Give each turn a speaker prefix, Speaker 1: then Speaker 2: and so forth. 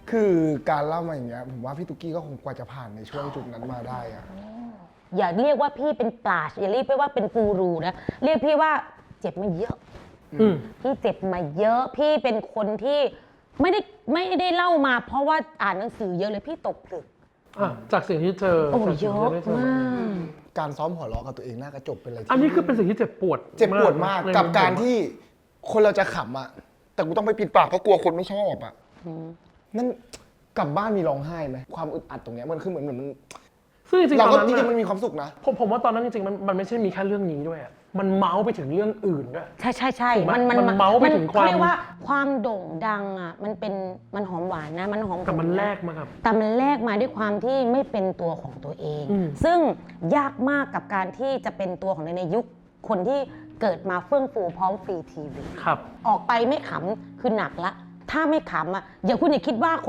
Speaker 1: คือการเล่ามาอย่างเงี้ยผมว่าพี่ตุ๊กกี้ก็คงกว่าจะผ่านในช่วงจุดนั้นมาได้อะ
Speaker 2: อย่าเรียกว่าพี่เป็นปราชญ์อย่าเรียกพี่ว่าเป็นกูรูนะเรียกพี่ว่าเจ็บมาเยอะพี่เจ็บมาเยอะพี่เป็นคนที่ไม่ได้เล่ามาเพราะว่าอ่านหนังสือเยอะเลยพี่ตกผลึก
Speaker 3: จากสิ่งที่เจอ
Speaker 2: โอ้เยอะมาก
Speaker 1: การซ้อมหัวเราะกับตัวเองหน้ากระจกเป็นอะไร
Speaker 3: อันนี้คือเป็นสิ่งที่เจ็บปวด
Speaker 1: มากกับการที่คนเราจะขำอะแต่กูต้องไปปิดปากเพราะกลัวคนไม่ชอบอะนั่นกลับบ้านมีร้องไห้ไหมความอึดอัดตรงเนี้ยมันคือเหมือนมัน
Speaker 3: ซึ่งจริงๆ
Speaker 1: เราก็
Speaker 3: ตอนนั้น
Speaker 1: จริงๆมันมีความสุขนะ
Speaker 3: ผมว่าตอนนั้นจริงๆมันไม่ใช่มีแค่เรื่องนี้ด้วยมันเมาส์ไปถึงเรื่องอื่นด้วย
Speaker 2: ใช่
Speaker 3: มันเมาส์ไปถึงความ
Speaker 2: เรียกว่าความโด่งดังอ่ะมันหอมหวานนะมันหอม
Speaker 3: แต่มันแลกมาครับ
Speaker 2: แต่มันแลกมาด้วยความที่ไม่เป็นตัวของตัวเองซึ่งยากมากกับการที่จะเป็นตัวของในยุคคนที่เกิดมาเฟื่องฟูพร้อมฟรีทีวี
Speaker 3: ครับ
Speaker 2: ออกไปไม่ขำคือหนักละถ้าไม่ขำอ่ะอย่าคุณอย่าคิดว่า